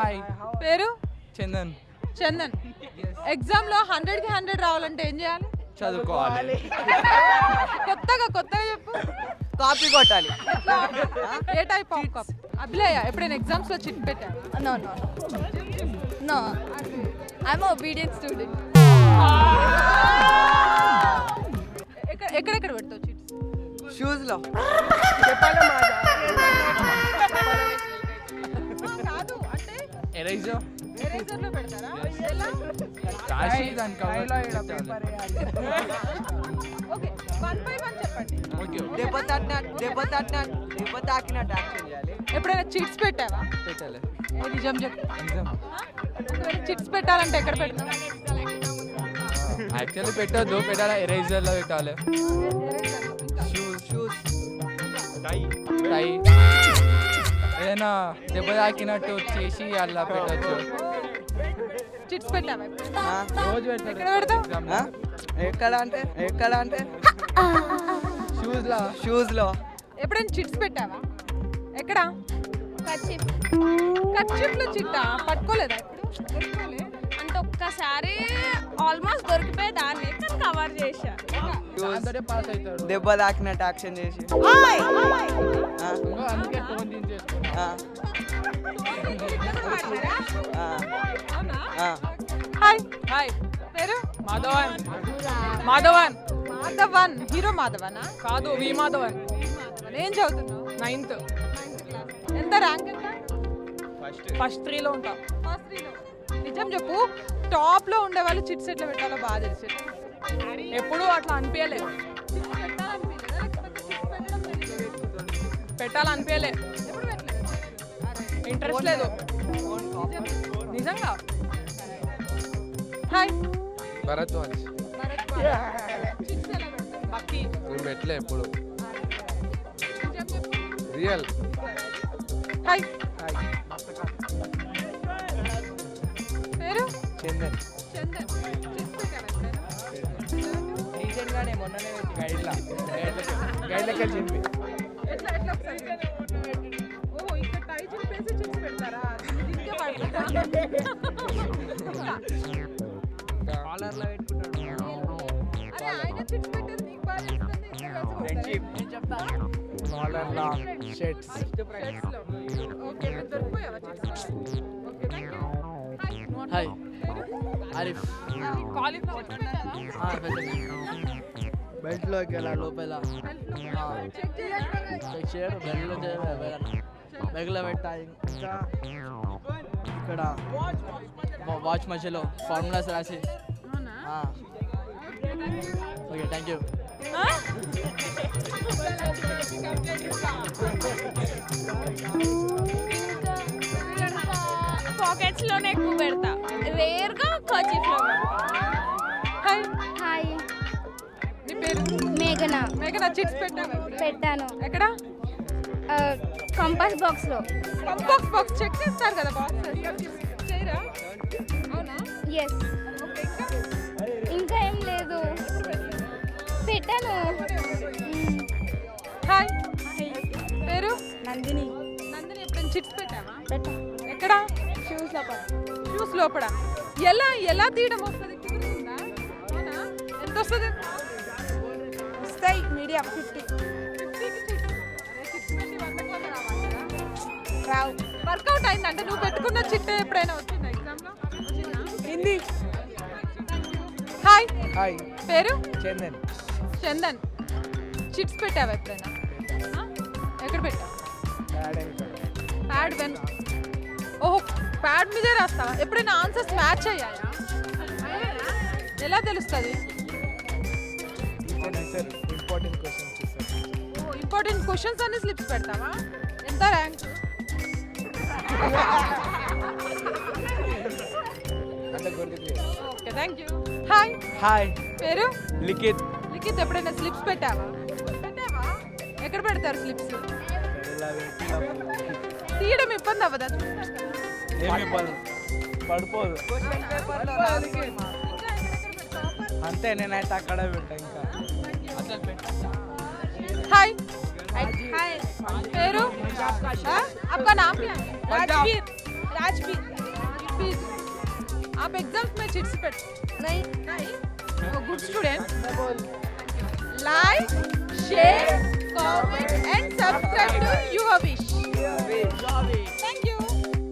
Hi పేరు Chandan. Chandan. Exam లో 100కి 100 రావాలంటే ఏం చేయాలి? చదువుకోవాలి. కొత్తగా చెప్పు. కాపీ కొట్టాలి. ఏ టైప్ ఆఫ్ కాపీ? అభిలయ ఎప్పుడైనా ఎగ్జామ్స్ లో చిట్ పెట్టా? No. I'm an obedient student. ఎక్కడెక్కడ పెడతావు చిట్స్? షూస్ లో. కాదు అంటే ఎరేజర్ ఎరేజర్ లో పెడతారా? ఎలా? రాసి దాని కవర్. ఓకే 1 by 1 చెప్పండి. ఓకే. దెబ్బ తాకినట్టు యాక్షన్ చేయాలి. ఎప్పుడైనా చిట్స్ పెట్టావా? పెట్టాలి. ఏ నిజం చెప్పు. ఎగ్జామ్ చిట్స్ పెట్టాలంటే ఎక్కడ పెడతావు? యాక్చువల్లీ పెట్టొద్దు, పెట్టాలి ఎరేజర్ లో పెట్టాలి. షూస్ టై ఏదైనా దెబ్బ తాకినట్టు చేసి అలా పెట్టచ్చు. చిట్స్ పెట్టావా? రోజు ఎక్కడ పెడతావు? ఎక్కడ అంటే షూస్ లో. ఎప్పుడైనా చిట్స్ పెట్టావా? ఎక్కడ? కర్చీఫ్ కర్చీఫ్ లో చిట్టా పట్టుకోలేదా? ఎప్పుడు అంటే ఒక్కసారి ఆల్మోస్ట్ దొరికిపోయే దాన్ని కానీ కవర్ చేశా. దాంతోనే పాస్ అవుతాడు. దెబ్బ తాకినట్టు యాక్షన్ చేసి అందుకే టోన్ దించేసుకున్నా. హాయ్ పేరు? మాధవన్ మాధవన్. హీరో మాధవనా? కాదు, వి మాధవన్. ఏం చదువుతున్నావు? 9th ఎంత ర్యాంక్ ఎంత? ఫస్ట్ 3లో ఉంటా. ఫస్ట్ 3లో. నిజం చెప్పు, టాప్ లో ఉండే వాళ్ళు చిట్స్ ఎట్లా పెట్టాలో బాగా తెలుసు. ఎప్పుడు అట్లా అనిపించలే, పెట్టాలనిపించలే, ఇంట్రెస్ట్ లేదు నిజంగా. హాయ్ భరద్వాజ్. బక్కి నేను పెట్టలే ఎప్పుడు. రియల్. హాయ్ పేరు? చందన్. చందన్. చిట్స్ పెట్టావా ఎప్పుడైనా? రీసెంట్ గానే మొన్ననే గైడ్లకి వెళ్ళి ఎట్లా ఒకసారి? ఓహో, ఇక్కడ టై చింపేసి చిట్స్ పెడతారా? దీనికే పడతారా? కాలర్లో పెట్టుకుంటాడు. అరే ఆయన చిట్స్ పెట్టేది నీకు బాగా తెలుస్తుంది. Friendship modern shirts. ఓకే, మీరు దొరికిపోయావా chits? Okay, thank you. Hi Arif. Cauliflower belt లోకి వెళ్ళా లోపల చెక్ చేయాలి. చెక్ చేయడం బెల్ట్లో బెగ్లో పెట్టా. ఇంకా ఇక్కడ వాచ్ మధ్యలో ఫార్ములాస్ రాసి. అవునా? Okay, thank you. పాకెట్స్ లోనే ఎక్కువ పెడతా, రేర్ గా కర్చీఫ్ లో. హాయ్ హాయ్, నీ పేరు? మేఘనా. మేఘనా, చిట్స్ పెట్టావా? పెట్టాను ఎక్కడ? కంపాస్ బాక్స్ లో. బాక్స్ చెక్ చేస్తారు కదా, బాక్స్ చేయరా? అవునా? ఎస్. ఓకే, ఇంకా ఇంకా ఏం లేదు, పెట్టాను. హాయ్ పేరు? నందిని. నందిని, ఎప్పుడైనా చిట్స్ పెట్టావా? పెట్టా. ఎక్కడ? షూస్ లో. షూస్ లోపల. ఎలా తీయడం వస్తుంది? కుదురుతుందా? అవునా? ఎంత వస్తుంది? వస్తాయి మీడియం 50. 50కి చిట్స్. అరే, చిట్స్ పెట్టి 100కి 100 రావాలి కదా? రావు. వర్కౌట్ అయిందంటే నువ్వు పెట్టుకున్న చిట్టే ఎప్పుడైనా వచ్చిందా ఎగ్జామ్లో? హిందీ. హాయ్ హాయ్ పేరు? చందన్. చందన్. చిట్స్ పెట్టావా ఎప్పుడైనా? ఎక్కడ పెట్టావు? Pad when. ఓహో, ప్యాడ్ మీదే రాస్తావా? ఎప్పుడైనా ఆన్సర్స్ మ్యాచ్ అయ్యాయా? ఎలా తెలుస్తుంది? ఇంపార్టెంట్ క్వశ్చన్స్ ఇస్తారు. ఓహో, ఇంపార్టెంట్ క్వశ్చన్స్ అన్ని స్లిప్స్ పెడతావా? ఎంత ర్యాంక్? అంటే గుర్తుకు. Okay, thank you. Hi hi పేరు? లిఖిత్. లిఖిత్, ఎప్పుడైనా స్లిప్స్ పెట్టావా? ఎక్కడ పెడతారు స్లిప్స్? తీయడం ఇబ్బంది అవ్వదా? పడిపోదు అంతే, నేనైతే అక్కడ పెట్టా. ఇంకా हाय हाय पेरू आपका नाम क्या है? राजवीर बैच बी आप एग्जाम्स में चिट्स पेट नहीं गुड स्टूडेंट लाइक शेयर